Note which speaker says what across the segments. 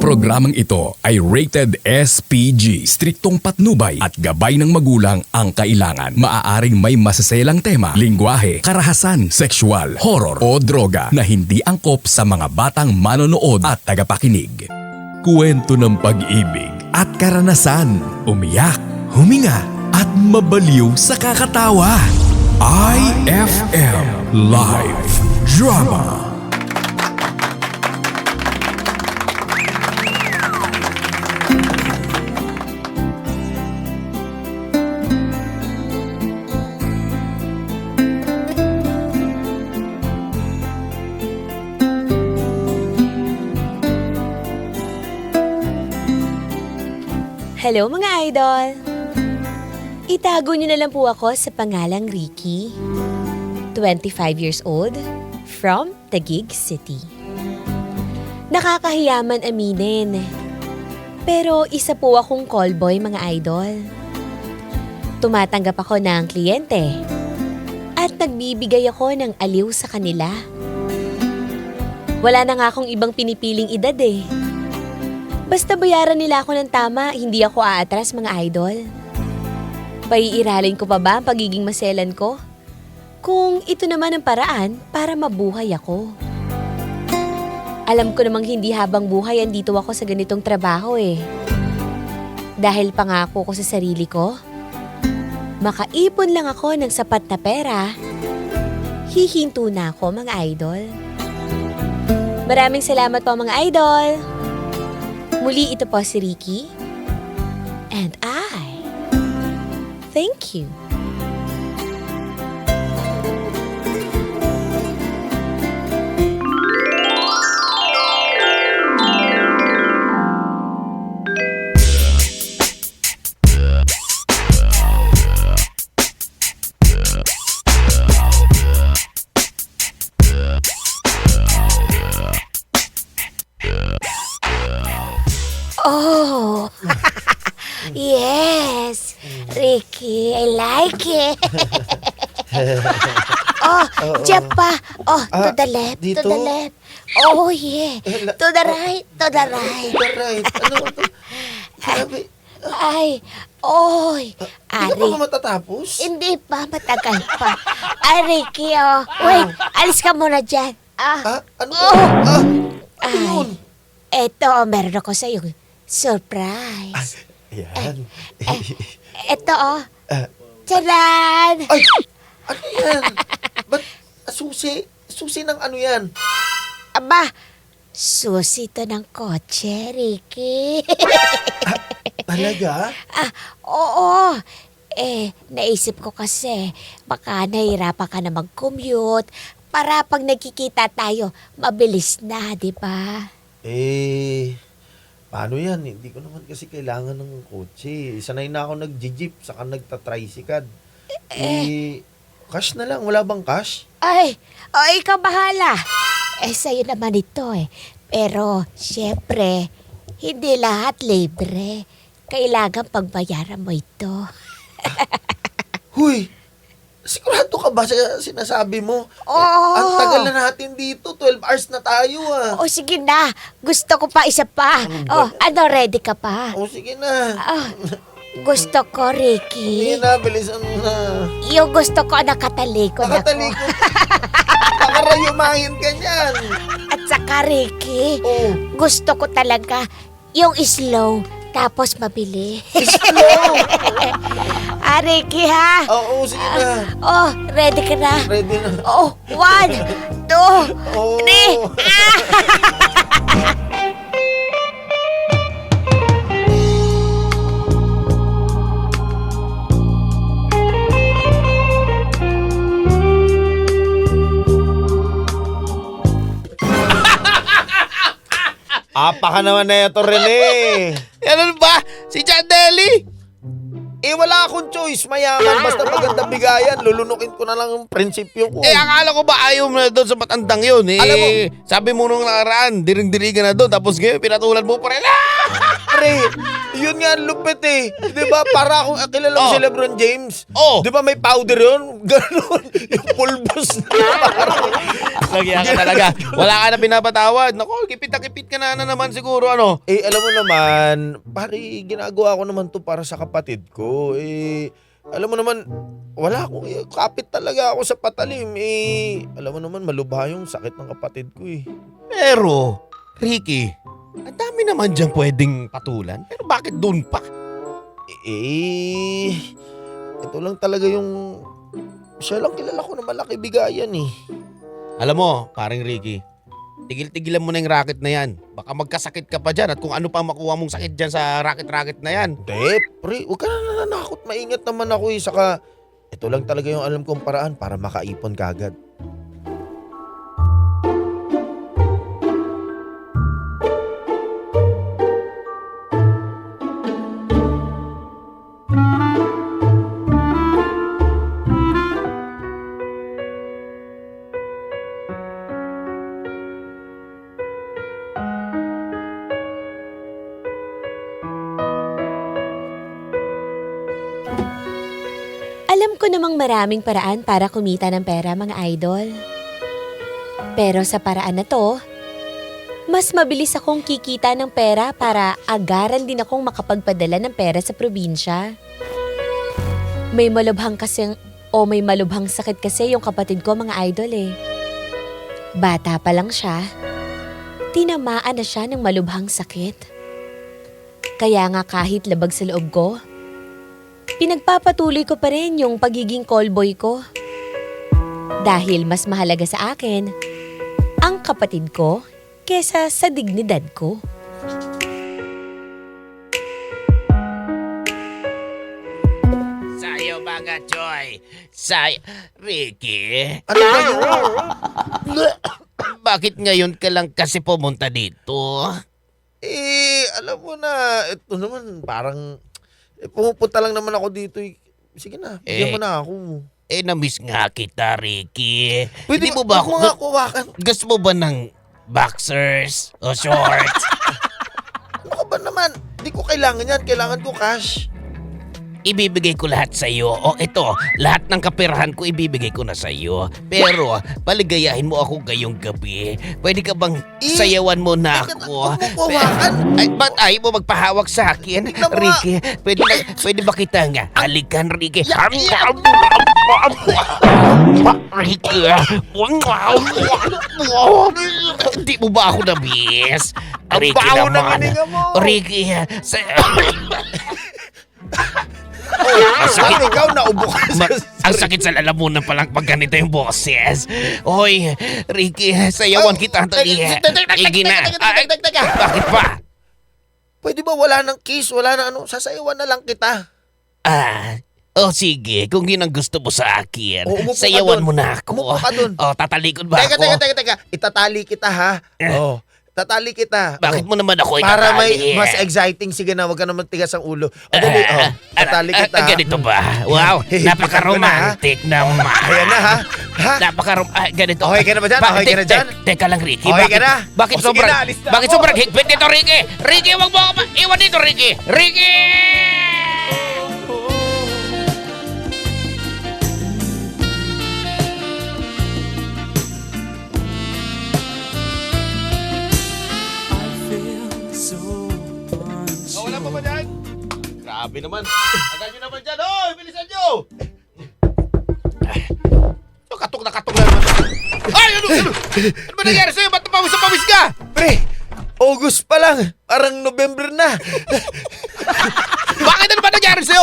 Speaker 1: Programang ito ay rated SPG. Striktong patnubay at gabay ng magulang ang kailangan. Maaaring may masaselang tema, lingwahe, karahasan, sexual, horror o droga na hindi angkop sa mga batang manonood at tagapakinig. Kwento ng pag-ibig at karanasan, umiyak, huminga at mabaliw sa kakatawa. IFM Live Drama.
Speaker 2: Hello mga idol! Itago niyo na lang po ako sa pangalang Ricky. 25 years old, from Taguig City. Nakakahiyaman aminin. Pero isa po akong callboy mga idol. Tumatanggap ako ng kliyente. At nagbibigay ako ng aliw sa kanila. Wala na nga akong ibang pinipiling edad eh. Basta bayaran nila ako ng tama, hindi ako aatras mga idol. Paiiralin ko pa ba ang pagiging maselan ko? Kung ito naman ang paraan para mabuhay ako. Alam ko namang hindi habang buhay andito ako sa ganitong trabaho eh. Dahil pangako ko sa sarili ko, makaipon lang ako ng sapat na pera, hihinto na ako mga idol. Maraming salamat po mga idol! Muli ito po si Ricky. And I thank you. Oh, yes, Ricky, I like it. Oh, dyan pa. Oh, to the left,
Speaker 3: dito?
Speaker 2: to the left. Oh, yeah. To the right, to the right.
Speaker 3: Right. Ano ito? Sabi,
Speaker 2: Ay, oy.
Speaker 3: hindi pa ba matatapos?
Speaker 2: Hindi pa, matagal pa. Ay, Ricky, oh. Wait, alis ka muna dyan.
Speaker 3: Ano to? Ano yun?
Speaker 2: Eto, meron ako sa'yo. Surprise.
Speaker 3: Ayan.
Speaker 2: Eto, oh. Tcharan!
Speaker 3: Ay! Ano yan? Ba't susi? Susi ng ano yan?
Speaker 2: Aba, susi to ng kotse, Ricky.
Speaker 3: Talaga?
Speaker 2: Oo. Naisip ko kasi, baka nahirapan ka na mag-commute para pag nagkikita tayo, mabilis na, di ba?
Speaker 3: Paano yan? Hindi ko naman kasi kailangan ng kotse. Sanay na ako nag-jeep, saka nagtatricycad. Cash na lang. Wala bang cash?
Speaker 2: Ay, ikaw bahala. Sa'yo naman ito eh. Pero, syempre, hindi lahat libre. Kailangan pagbayaran mo ito.
Speaker 3: Huy! Sigurado ka ba sa sinasabi mo?
Speaker 2: Oo.
Speaker 3: Ang tagal na natin dito. 12 hours na tayo
Speaker 2: O sige na, gusto ko pa isa pa. Ano, ready ka pa?
Speaker 3: O sige na.
Speaker 2: Gusto ko, Ricky.
Speaker 3: Sige na, bilisan mo na.
Speaker 2: Yung gusto ko, nakatalikod ako.
Speaker 3: Nakatalikod. Nakarayumahin ka niyan.
Speaker 2: At saka, Ricky,
Speaker 3: Oh.
Speaker 2: gusto ko talaga yung slow, tapos mabili.
Speaker 3: Slow.
Speaker 2: Ricky, ha?
Speaker 3: Oo, sige na.
Speaker 2: Ready ka na?
Speaker 3: Ready na.
Speaker 2: 1, 2,
Speaker 3: Oh.
Speaker 2: 3.
Speaker 3: Apa ka naman na ito, Rene.
Speaker 4: Ano ba? Si John Deli?
Speaker 3: Wala akong choice. Mayaman. Basta maganda bigayan. Lulunukin ko na lang ang prinsipyo ko.
Speaker 4: Akala ko ba ayaw mo na doon sa matandang yun?
Speaker 3: Alam mo,
Speaker 4: sabi mo nung nakaraan, diring-diri ka na doon, tapos ngayon pinatulan mo pa rin.
Speaker 3: Pre, yun nga ang lupit eh. Di ba? Para akong kilala mo
Speaker 4: Oh.
Speaker 3: si Lebron James.
Speaker 4: Oh.
Speaker 3: Di ba may powder yun? Ganon. Yung pulbos na parang.
Speaker 4: Lagyan ka talaga. Wala ka na pinapatawad. Naku, kipit na kipit ka na naman siguro, ano?
Speaker 3: Eh, alam mo naman, pare, ginagawa ko naman to para sa kapatid ko. Eh, alam mo naman, wala akong, kapit talaga ako sa patalim. Eh, alam mo naman, malubha yung sakit ng kapatid ko eh.
Speaker 4: Pero, Ricky, ang dami naman dyan pwedeng patulan. Pero bakit doon pa?
Speaker 3: Eh, ito lang talaga yung, siya lang kilala ko na malaki bigayan eh.
Speaker 4: Alam mo, paring Ricky, tigil-tigilan mo na yung racket na yan. Baka magkasakit ka pa dyan at kung ano pa makuha mong sakit dyan sa racket-racket na yan.
Speaker 3: Hindi, pre, huwag ka na nananakot. Maingat naman ako eh. Saka, ito lang talaga yung alam kong paraan para makaipon kagad.
Speaker 2: Alam ko namang maraming paraan para kumita ng pera, mga idol. Pero sa paraan na to, mas mabilis akong kikita ng pera para agaran din akong makapagpadala ng pera sa probinsya. May malubhang sakit kasi yung kapatid ko, mga idol eh. Bata pa lang siya, tinamaan na siya ng malubhang sakit. Kaya nga kahit labag sa loob ko, pinagpapatuloy ko pa rin yung pagiging callboy ko. Dahil mas mahalaga sa akin ang kapatid ko kesa sa dignidad ko.
Speaker 4: Sayo mga Joy. Ricky.
Speaker 3: Ano ba yun?
Speaker 4: Bakit ngayon ka lang kasi pumunta dito?
Speaker 3: Eh, alam mo na, ito naman parang, pumupunta lang naman ako dito eh. Sige na, bigyan mo na ako.
Speaker 4: Na-miss nga kita, Ricky.
Speaker 3: Pwede
Speaker 4: Hindi mo ba
Speaker 3: ako nga kuwakan?
Speaker 4: Gusto mo ba ng boxers o shorts?
Speaker 3: Ano ka ba naman? Hindi ko kailangan yan. Kailangan ko cash.
Speaker 4: Ibibigay ko lahat sa iyo. O ito, lahat ng kaperahan ko ibibigay ko na sa iyo. Pero paligayahin mo ako ngayong gabi. Pwede ka bang sayawan mo na ako?
Speaker 3: Huwag mo kuwakan.
Speaker 4: Ay, ba't ayaw mo magpahawak sa akin?
Speaker 3: Tignan mo nga.
Speaker 4: Ricky, pwede ba kita nga? Halikan, Ricky. Ricky. Hindi mo ba ako na-miss?
Speaker 3: Ang
Speaker 4: Ricky
Speaker 3: baho ng
Speaker 4: naman.
Speaker 3: hininga mo.
Speaker 4: Ricky,
Speaker 3: Saan ikaw naubo ka
Speaker 4: ang sakit sa lalamunan palang pag ganito yung boses. Hoy, Ricky, sayawan kita. Igi na. Bakit pa?
Speaker 3: Pwede ba wala ng kiss? Wala na ano? Sasayawan na lang kita.
Speaker 4: Sige, kung yun ang gusto mo sa akin,
Speaker 3: Umupo ka
Speaker 4: sayawan
Speaker 3: dun.
Speaker 4: mo na ako.
Speaker 3: Umupo ka dun.
Speaker 4: Tatalikod ba ako?
Speaker 3: Teka. Itatali kita ha. Tatali kita.
Speaker 4: Bakit mo naman ako
Speaker 3: Para may
Speaker 4: itatali?
Speaker 3: mas exciting. Sige na, wag ka naman tigas ang ulo. Dali, tatali kita.
Speaker 4: Ganito ba? Wow, napaka-romantic naman.
Speaker 3: Ayan na ha.
Speaker 4: Ganito.
Speaker 3: Okay ka na ba dyan? Okay ka na dyan?
Speaker 4: Teka lang, Ricky.
Speaker 3: Okay ka na?
Speaker 4: Bakit
Speaker 3: O, sige
Speaker 4: sobrang,
Speaker 3: na, alis na
Speaker 4: bakit
Speaker 3: ako.
Speaker 4: sobrang higpit nito, Ricky? Ricky, wag mo ako iwan dito, Ricky. Ricky! Wala pa ba dyan? Grabe naman. Agad nyo naman dyan. Hoy, bilisan nyo! Katok na naman. Ay, ano ba nangyari sa'yo? Ba't napawis ka?
Speaker 3: Pre, August pa lang. Parang November na.
Speaker 4: Bakit ano ba nangyari sa'yo?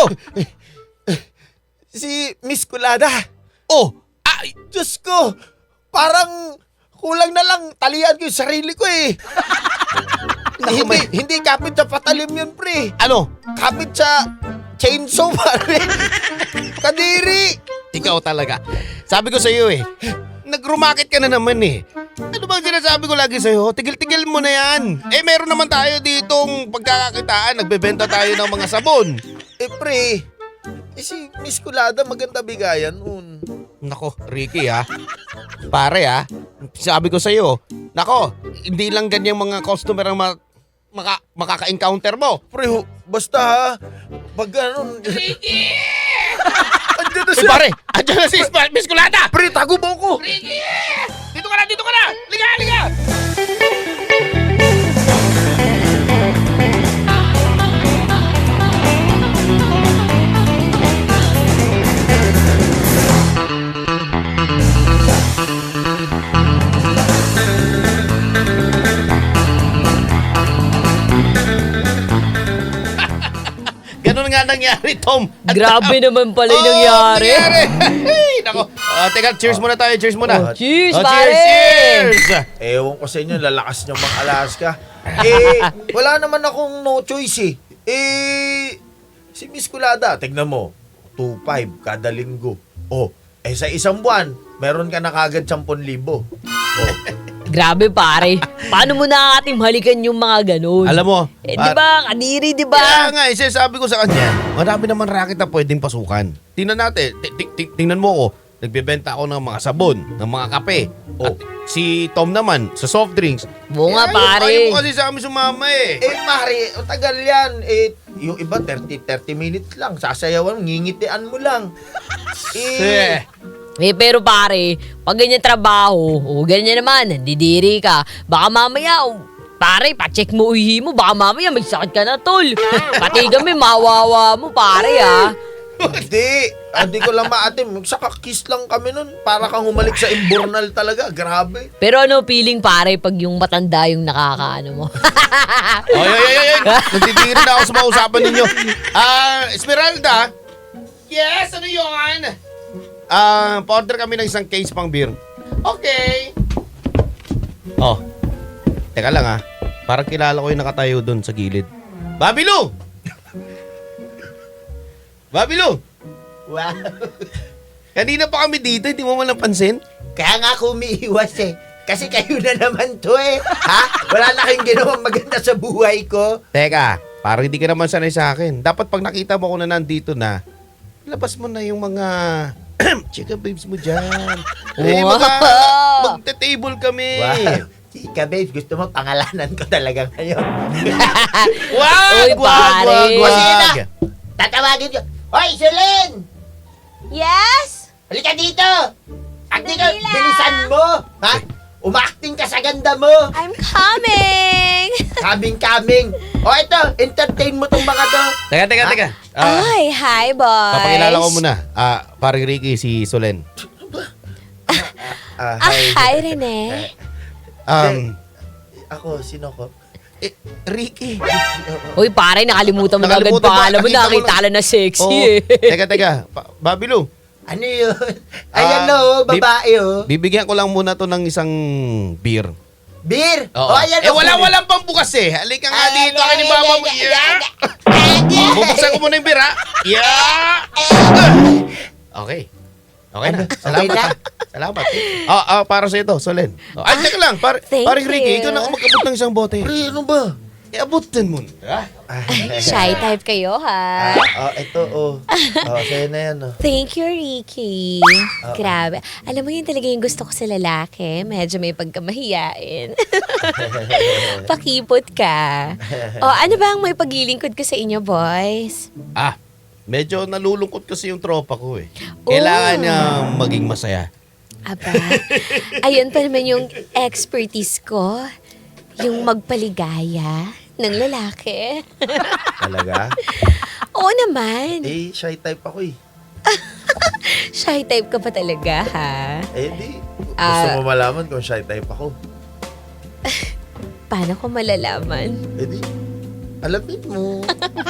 Speaker 3: Si Miss Kulada.
Speaker 4: Oh,
Speaker 3: Diyos ko, parang kulang na lang talian ko yung sarili ko eh. hindi kapit sa patalim yun, pre.
Speaker 4: ano?
Speaker 3: Kapit sa chainsaw, pare. Kadiri.
Speaker 4: Ikaw talaga. Sabi ko sa'yo eh, nag-rumakit ka na naman eh. Ano bang sinasabi ko lagi sa'yo? Tigil-tigil mo na yan. Meron naman tayo ditong pagkakakitaan. Nagbebenta tayo ng mga sabon.
Speaker 3: Pre, si Miss Kulada maganda bigayan nun.
Speaker 4: Nako, Ricky ha. Pare ha. Sabi ko sa'yo, nako, hindi lang ganyang mga customer ang makaka-encounter mo.
Speaker 3: Pre, basta ha. Pag ano...
Speaker 4: Ricky!
Speaker 3: Andiyan na
Speaker 4: Eh
Speaker 3: siya.
Speaker 4: pare, andyan na si Miss Kulata!
Speaker 3: Pre, tago mo ko.
Speaker 4: Ricky! Dito ka na, dito ka na! Liga, liga! Ganun nga nangyari, Tom.
Speaker 2: Grabe naman pala yung
Speaker 4: Oh,
Speaker 2: nangyari.
Speaker 4: Ay, nako. Teka, cheers muna tayo. Cheers muna.
Speaker 2: Cheers,
Speaker 4: Oh,
Speaker 2: pare!
Speaker 4: cheers!
Speaker 3: Ewan ko sa inyo, lalakas nyo mga Alaska. Wala naman akong no choice si Miss Kulada, tignan mo, 2,500 kada linggo. Sa isang buwan, meron ka na kagad 10,000.
Speaker 2: Grabe pare. Paano mo nakakatim halikan yung mga ganun?
Speaker 4: Alam mo,
Speaker 2: di ba? Kadiri, di
Speaker 4: Kaya
Speaker 2: ba?
Speaker 4: nga, sabi ko sa kanya, marami naman racket na pwedeng pasukan. Tingnan natin, tingnan mo ko, nagbebenta ako ng mga sabon, ng mga kape. At si Tom naman, sa soft drinks.
Speaker 2: Oo nga, pare.
Speaker 4: Ayaw mo kasi sa amin sumama eh.
Speaker 3: Mari, tagal yan. Yung iba, 30 minutes lang. Sasayawan, ngingitian mo lang.
Speaker 2: Pero pare, pag ganyan trabaho, ganyan naman, nandidiri ka, baka mamaya, pare, pacheck mo uhi mo, baka mamaya may sakit ka na, tol. Pati kami, mawawa mo, pare,
Speaker 3: Hindi ko lang maatim. Saka kiss lang kami nun. Para kang humalik sa imbornal talaga. Grabe.
Speaker 2: Pero ano feeling, pare, pag yung matanda yung nakakaano mo?
Speaker 4: Ay. Nandidiri na ako sa mga usapan ninyo. Esmeralda? Yes, ano yun? Pa-order kami ng isang case pang beer. Okay. Teka lang parang kilala ko yung nakatayo doon sa gilid. Babilong! Babilong!
Speaker 5: Wow.
Speaker 4: Kanina pa kami dito, hindi mo man napansin?
Speaker 5: Kaya nga ako umiiwas Kasi kayo na naman to Ha? Wala na kayong ginawang maganda sa buhay ko.
Speaker 4: Teka, parang hindi ka naman sanay sa akin. Dapat pag nakita mo ko na nandito na, labas mo na yung mga chika babes mo dyan.
Speaker 2: Wow.
Speaker 4: Magte-table kami.
Speaker 5: Wow. Chika babes, gusto mo pangalanan ko talaga ngayon.
Speaker 2: Uy, pare.
Speaker 5: Sino? Tatawagin ko. Hoy, Sulen!
Speaker 2: Yes?
Speaker 5: Halika dito! Acting ka,
Speaker 2: Dali lang.
Speaker 5: bilisan mo! Ha? Umaacting ka sa ganda mo!
Speaker 2: I'm coming!
Speaker 5: Kaming-kaming! O ito, entertain mo tong mga to!
Speaker 4: Teka.
Speaker 2: Ay, hi, boys.
Speaker 4: Papakilala ko muna. Paring Ricky, si Solen.
Speaker 2: Hi, Rene.
Speaker 3: Ako, sino ko?
Speaker 4: Ricky.
Speaker 2: Uy, pare, nakalimutan mo na agad
Speaker 4: Nakalimutan mo,
Speaker 2: pangalan mo.
Speaker 4: nakita mo
Speaker 2: Nakita lang na sexy
Speaker 4: Teka. Babilo,
Speaker 5: Ano yun? Ayan na babae
Speaker 4: bibigyan ko lang muna to ng isang beer.
Speaker 5: Beer!
Speaker 4: Oo.
Speaker 5: O ayan
Speaker 4: Walang pambukas eh. Halika nga dito kay ni Mama mo. Bubuksan ko muna yung beer, ha? Yeah! Okay. Okay na. Salamat. Para sa ito, Solen. Ay, teka lang.
Speaker 2: Thank
Speaker 4: Paring Ricky,
Speaker 2: you.
Speaker 4: ikaw na mag-abot ng isang bote.
Speaker 3: Pre, ano ba?
Speaker 4: Abutin mo na.
Speaker 2: Shy type kayo, ha?
Speaker 3: Ito, sa'yo na yan,
Speaker 2: Thank you, Ricky. Grabe. Alam mo yun talaga yung gusto ko sa lalaki. Medyo may pagkamahiyain. Pakipot ka. Ano ba ang may pagilingkod ko sa inyo, boys?
Speaker 4: Medyo nalulungkot kasi yung tropa ko eh. Kailangan niya maging masaya.
Speaker 2: Aba, ayun pa naman yung expertise ko. Yung magpaligaya ng lalaki.
Speaker 3: Talaga?
Speaker 2: Oo naman.
Speaker 3: Shy type ako
Speaker 2: Shy type ka pa talaga, ha?
Speaker 3: Di. Gusto mo malaman kung shy type ako?
Speaker 2: Paano ko malalaman?
Speaker 3: Di. Alamin mo.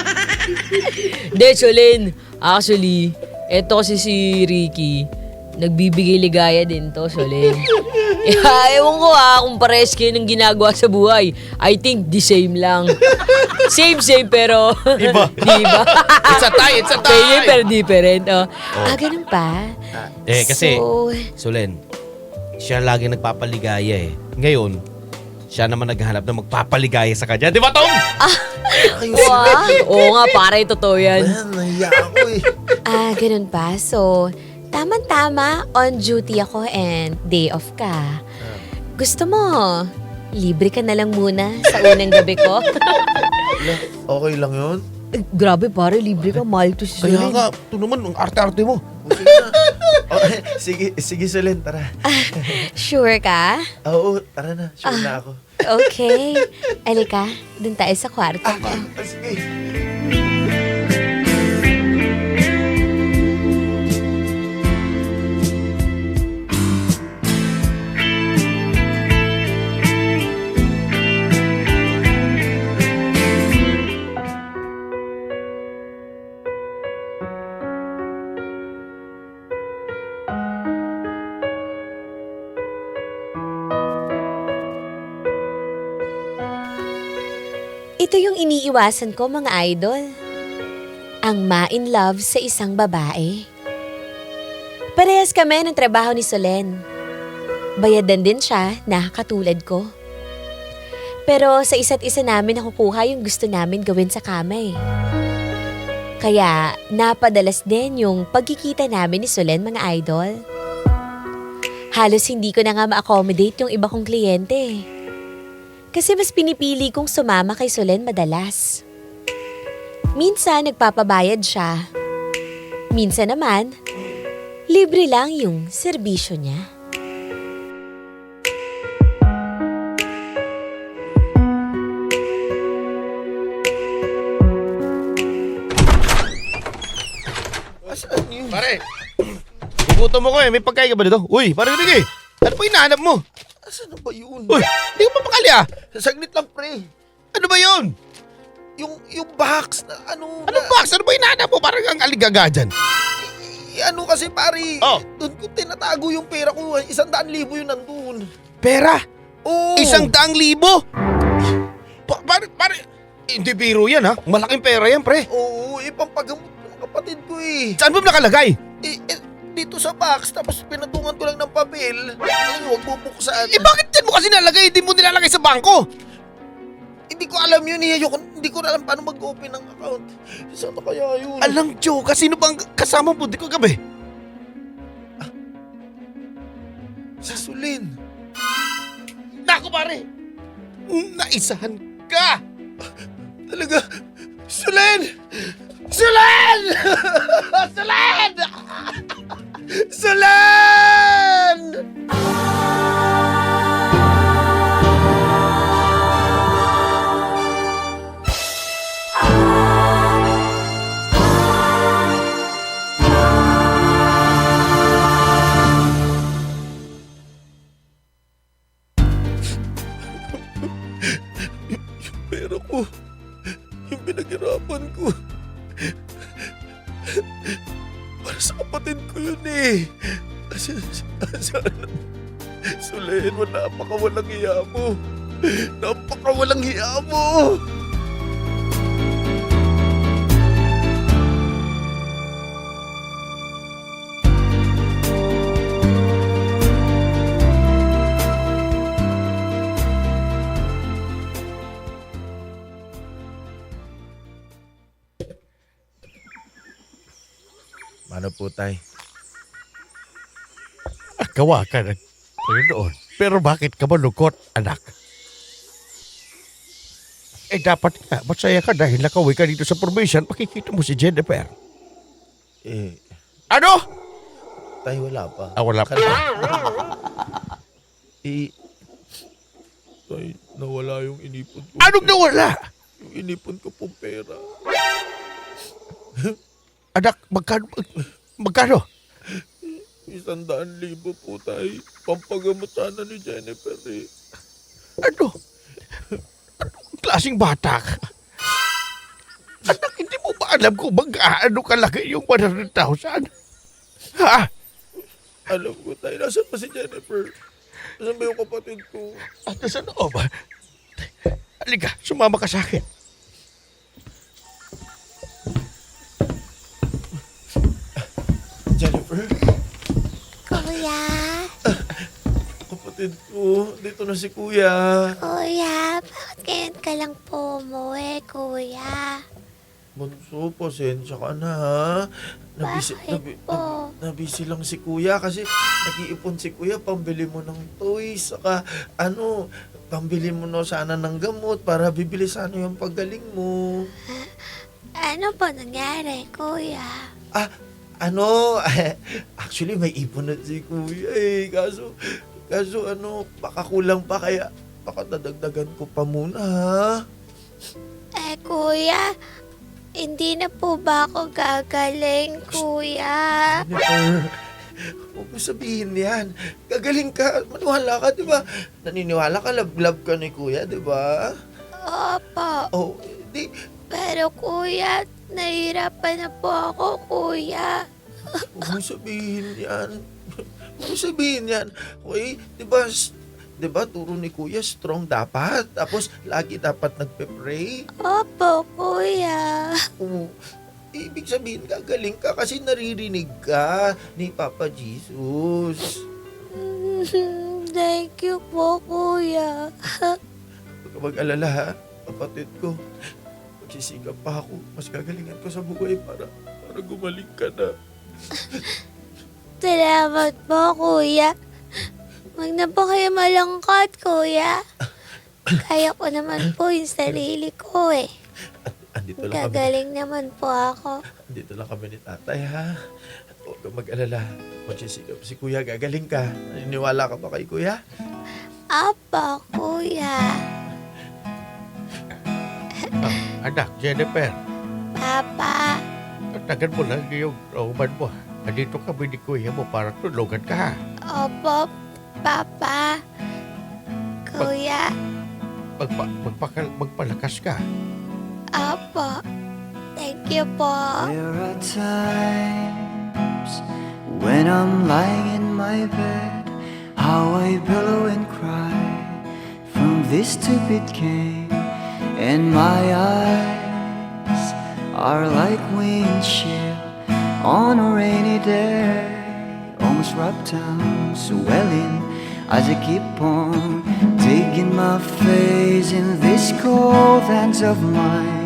Speaker 2: De, Solen. Actually, eto kasi si Ricky. Nagbibigay ligaya din to, Solen. Ewan ko kung pares kayo ng ginagawa sa buhay. I think the same lang. Same, pero...
Speaker 4: Iba.
Speaker 2: Diba?
Speaker 4: It's a tie.
Speaker 2: Same pero different. Ganun pa?
Speaker 4: Kasi,
Speaker 2: So,
Speaker 4: Solen, siya lagi nagpapaligaya eh. Ngayon, siya naman naghahanap na magpapaligaya sa kanya. Di ba, Tom?
Speaker 2: wow. Oo nga, pare, totoo yan.
Speaker 3: Nahiya ako
Speaker 2: Ganun pa. So, tama-tama, on duty ako and day off ka. Gusto mo, Libre ka na lang muna sa unang gabi ko.
Speaker 3: Ala, okay lang yun?
Speaker 2: Grabe pare, libre ka. Mahal to si
Speaker 4: Kaya
Speaker 2: Solen.
Speaker 4: nga, ito naman, ang arte-arte mo.
Speaker 3: O, sige na. Oh, sige, Solen, tara.
Speaker 2: Sure ka?
Speaker 3: Oo, tara na. Sure na ako.
Speaker 2: Okay. Alika, dun tayo sa kwarto ko.
Speaker 3: Sige.
Speaker 2: Ito yung iniiwasan ko mga idol. Ang ma-in love sa isang babae. Parehas kami ng trabaho ni Solen. Bayadan din siya na katulad ko. Pero sa isa't isa namin nakukuha yung gusto namin gawin sa kama eh. Kaya napadalas din yung pagkikita namin ni Solen mga idol. Halos hindi ko na nga ma-accommodate yung iba kong kliyente eh. Kasi mas pinipili kong sumama kay Solen madalas. Minsan nagpapabayad siya. Minsan naman, libre lang yung serbisyo niya.
Speaker 3: Saan yun?
Speaker 4: Pare, gugutom mo ko eh. May pagkain ka ba dito? Uy, pare Ricky, ano pa hinahanap mo?
Speaker 3: Saan na ba yun?
Speaker 4: Uy, hindi ko mapakali ah.
Speaker 3: Saglit lang, pre.
Speaker 4: Ano ba yun?
Speaker 3: Yung box na ano...
Speaker 4: Anong box? Ano ba hinahanap mo? Parang ang aligaga dyan.
Speaker 3: Ano kasi, pare?
Speaker 4: Oh.
Speaker 3: Doon ko tinatago yung pera ko. 100,000 yun nandun.
Speaker 4: Pera?
Speaker 3: Oo.
Speaker 4: 100,000? Pare, hindi biro yan ha. Malaking pera yan, pre.
Speaker 3: Oo, pampagamot ng kapatid ko eh.
Speaker 4: Saan mo nakalagay?
Speaker 3: Dito sa box, tapos pinatungan ko lang ng papel. Huwag bubuksan.
Speaker 4: Bakit yan mo kasi nalagay? Hindi mo nilalagay sa bangko.
Speaker 3: Hindi ko alam yun eh. Hindi ko alam paano mag-open ng account. Saan na kaya yun?
Speaker 4: Alang Joe, kasi sino bang kasama mo di ko gabi?
Speaker 3: Sa Solen.
Speaker 4: Naku pare, naisahan ka.
Speaker 3: Talaga. Solen! Solen! Solen! Solen! Pero ko, yung pinaghirapan ko, para sa kapatid ko yun eh. Sana, Solen, napakawalang hiya mo. Napakawalang hiya mo. Ano po, tay?
Speaker 4: Gawa ka ng Panginoon. Pero bakit ka malungkot, anak? Dapat nga, masaya ka dahil nakauwi ka dito sa probinsya at makikita mo si Jennifer. Ano?
Speaker 3: Tay, wala pa.
Speaker 4: Wala pa.
Speaker 3: Tay, nawala yung inipon ko.
Speaker 4: Anong nawala?
Speaker 3: Yung inipon ko pong pera.
Speaker 4: Anak, magkano?
Speaker 3: 100,000 po, tay. Pampagamot sana ni Jennifer eh.
Speaker 4: Ano? Anong klaseng bata ka? Anak, hindi mo ba alam kung mag-aano kalaki yung 100,000? Ha?
Speaker 3: Alam ko, tay. Nasaan pa si Jennifer? Nasaan ba yung kapatid ko?
Speaker 4: At sa loob? Halika, sumama ka sa akin.
Speaker 3: Jennifer?
Speaker 2: Kuya?
Speaker 3: Kapatid ko. Dito na si Kuya.
Speaker 2: Kuya, bakit ngayon ka lang po umuwi, kuya?
Speaker 3: Bunso, pasensya ka na ha.
Speaker 2: Bakit po?
Speaker 3: Nabisi lang si Kuya kasi nag-iipon si Kuya pambili mo ng toys. Saka pambili mo na sana ng gamot para bibili sana yung paggaling mo.
Speaker 2: Ano po nangyari, kuya?
Speaker 3: Ano, actually may ipon na si kuya eh. Kaso baka kulang pa kaya baka dadagdagan ko pa muna ha.
Speaker 2: Kuya, hindi na po ba ako gagaling, kuya?
Speaker 3: Jennifer, huwag mo sabihin yan. Gagaling ka, maniwala ka, di ba? Naniniwala ka, love ka ni kuya, di ba?
Speaker 2: Opo.
Speaker 3: Oh, di,
Speaker 2: Pero kuya, nahihirapan na po ako, kuya.
Speaker 3: huwag mo sabihin yan. Huwag mo sabihin yan. Okay, di ba turo ni kuya, strong dapat. Tapos, lagi dapat nagpe-pray.
Speaker 2: Opo, kuya.
Speaker 3: Oo. Ibig sabihin, gagaling ka kasi naririnig ka ni Papa Jesus.
Speaker 2: Thank you po, kuya.
Speaker 3: Huwag ka mag-alala ha, kapatid ko. Magsisigap pa ako. Mas gagalingan ko sa buhay para gumaling ka na.
Speaker 2: Salamat po, kuya. Huwag na po kayo malangkot, kuya. Kaya ko naman po yung sarili ko eh.
Speaker 3: Andito lang kami.
Speaker 2: Gagaling naman po ako.
Speaker 3: Andito lang kami ni tatay ha. Huwag ka mag-alala. Magsisigap si kuya, gagaling ka. Naniniwala ka ba kay kuya?
Speaker 2: Apa, kuya.
Speaker 4: Anak, Jennifer,
Speaker 2: Papa.
Speaker 4: tagal mo lang yung rauman mo. Nandito kami ni kuya mo para tulungan ka ha.
Speaker 2: Opo, Papa. Kuya.
Speaker 4: Magpalakas ka.
Speaker 2: Opo. Thank you po.
Speaker 6: There are times when I'm lying in my bed, how I pillow and cry from this stupid game, and my eyes are like windshield on a rainy day, almost rubbed down, swelling as I keep on digging my face in these cold hands of mine.